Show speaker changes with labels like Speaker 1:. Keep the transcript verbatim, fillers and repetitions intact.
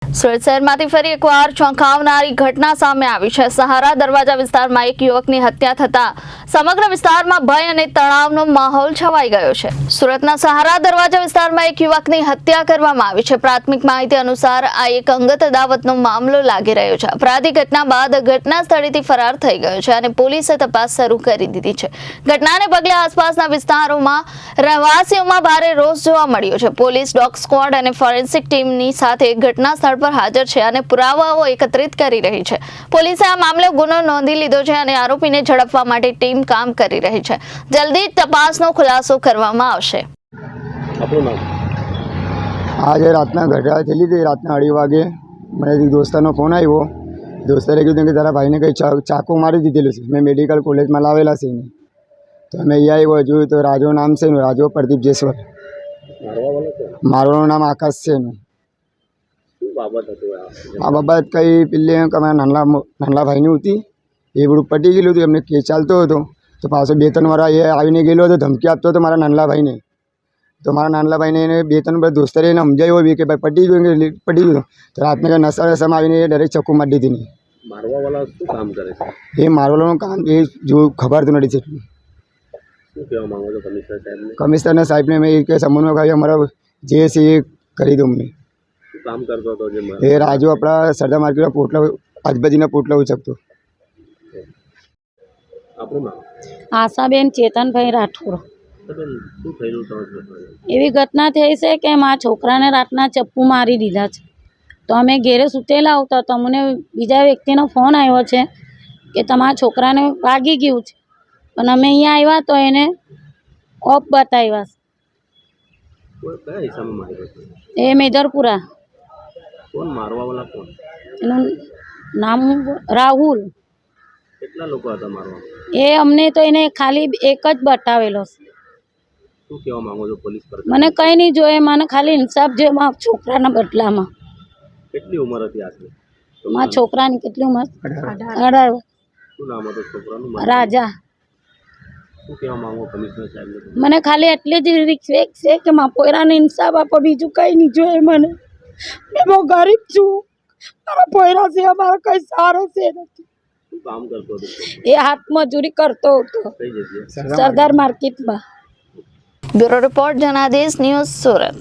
Speaker 1: સુરત શહેરમાંથી ફરી એકવાર ચોંકાવનારી ઘટના સામે આવી છે। સહારા દરવાજા વિસ્તારમાં એક યુવકની હત્યા થતા સમગ્ર વિસ્તારમાં ભય અને તણાવનો માહોલ છવાઈ ગયો છે। સુરતના સહારા દરવાજા વિસ્તારમાં એક યુવકની હત્યા કરવામાં આવી છે। પ્રાથમિક માહિતી અનુસાર આ એક અંગત અદાવતનો મામલો લાગી રહ્યો છે। અપરાધી ઘટના બાદ ઘટના સ્થળેથી ફરાર થઈ ગયો છે અને પોલીસે તપાસ શરૂ કરી દીધી છે। ઘટનાને પગલે આસપાસના વિસ્તારોમાં રહેવાસીઓમાં ભારે રોષ જોવા મળ્યો છે। પોલીસ, ડોગ સ્ક્વોડ અને ફોરેન્સિક ટીમની સાથે ઘટના સ્થળ પર હાજર છે અને પુરાવાઓ એકત્રિત કરી રહી છે। પોલીસે આ મામલે ગુનો નોંધી લીધો છે અને આરોપીને ઝડપવા માટે ટીમ કામ કરી રહી છે। જલ્દી જ તપાસનો ખુલાસો કરવામાં આવશે।
Speaker 2: આજે રાતના ઘટના થયેલી હતી। રાતના અઢી વાગે મને દોસ્તારનો ફોન આવ્યો। દોસ્તારે કીધું કે તારા ભાઈને કંઈ ચાકુ મારી દીધેલું છે। મેં મેડિકલ કોલેજમાં લાવેલા છે એને, તો અમે અહીંયા આવ્યો જોયું તો રાજો નામ છે એનું, રાજો પ્રદીપ જેસવર। મારું નામ આકાશ છે એનું। આ બાબત કંઈ પેલી અમારા નાના નાના ભાઈની હતી, એ બધું પટી ગયેલું હતું। એમને કેસ ચાલતો હતો તો પાછો બે ત્રણ વાર એ આવીને ગયેલો હતો, ધમકી આપતો હતો મારા નાનલા ભાઈને। તો મારા નાનલા ભાઈને એને બે ત્રણ વાર દોસ્તરે એને સમજાવ્યો બી કે ભાઈ પટી ગયું કે પટી ગયું, તો રાતના નશા નશામાં આવીને ડાયરેક્ટ ચક્કુ મારી દીધી।
Speaker 3: મારવાવાળા શું કામ કરે છે?
Speaker 2: એ મારવાળાનું કામ એ જો ખબર તો નથી એટલું।
Speaker 3: શું કહેવા માંગો છો કમિશનર સાહેબને?
Speaker 2: કમિશનરના સાહેબને મેં એ કે સમન્વય કરી અમારા જે છે એ કરી દો અમને।
Speaker 3: શું કામ કરતો હતો જે
Speaker 2: એ રાજુ આપણા સરદાર માર્કેટના પોટલા આજુબાજુના પોટલા ઉચકતો।
Speaker 3: આપણું નામ?
Speaker 4: આશાબેન ચેતનભાઈ રાઠોડ।
Speaker 3: બેન, શું થયેલું તમારે?
Speaker 4: એવી ઘટના થઈ છે કે મારા છોકરાને રાતના ચપ્પુ મારી દીધા છે। તો અમે ઘેરે સૂતેલા આવતા તો અમને બીજા વ્યક્તિનો ફોન આવ્યો છે કે તમારા છોકરાને વાગી ગયું છે, પણ અમે અહીંયા આવ્યા તો એને ઓફ બતાવ્યા
Speaker 3: કોઈ કયા હિસાબે માર્યો હતો?
Speaker 4: છે। એ મેદરપુરા।
Speaker 3: કોણ મારવાવાળા કોણ?
Speaker 4: એનું નામ રાહુલ।
Speaker 3: કેટલા લોકો હતા મારવા?
Speaker 4: એ અમને તો એને ખાલી એક જ બતાવેલો છે।
Speaker 3: શું કહેવા માંગો છો પોલીસ પર?
Speaker 4: મને કંઈ નહીં જોઈએ, મને ખાલી ઇન્સાફ જોઈએ મારા છોકરાના બદલામાં।
Speaker 3: કેટલી ઉંમર હતી આટલી?
Speaker 4: મારા છોકરાની કેટલી ઉંમર? અઢાર।
Speaker 3: શું નામ હતું છોકરાનું?
Speaker 4: રાજા।
Speaker 3: શું કહેવા માંગો કમિશનર સાહેબને?
Speaker 4: મને ખાલી એટલી જ રિક્વેસ્ટ છે કે મારા પોયરાને ઇન્સાફ આપો, બીજું કંઈ નહીં જોઈએ મને। મેં બહુ ગરીબ છું, મારા પોયરા છે, અમારો કંઈ સારો છે નથી।
Speaker 3: શું કામ કરતો હતો?
Speaker 4: એ હાથ મજૂરી કરતો હતો
Speaker 3: કઈ જગ્યાએ?
Speaker 4: સરદાર માર્કેટમાં।
Speaker 1: Bureau report Janadesh news Surat.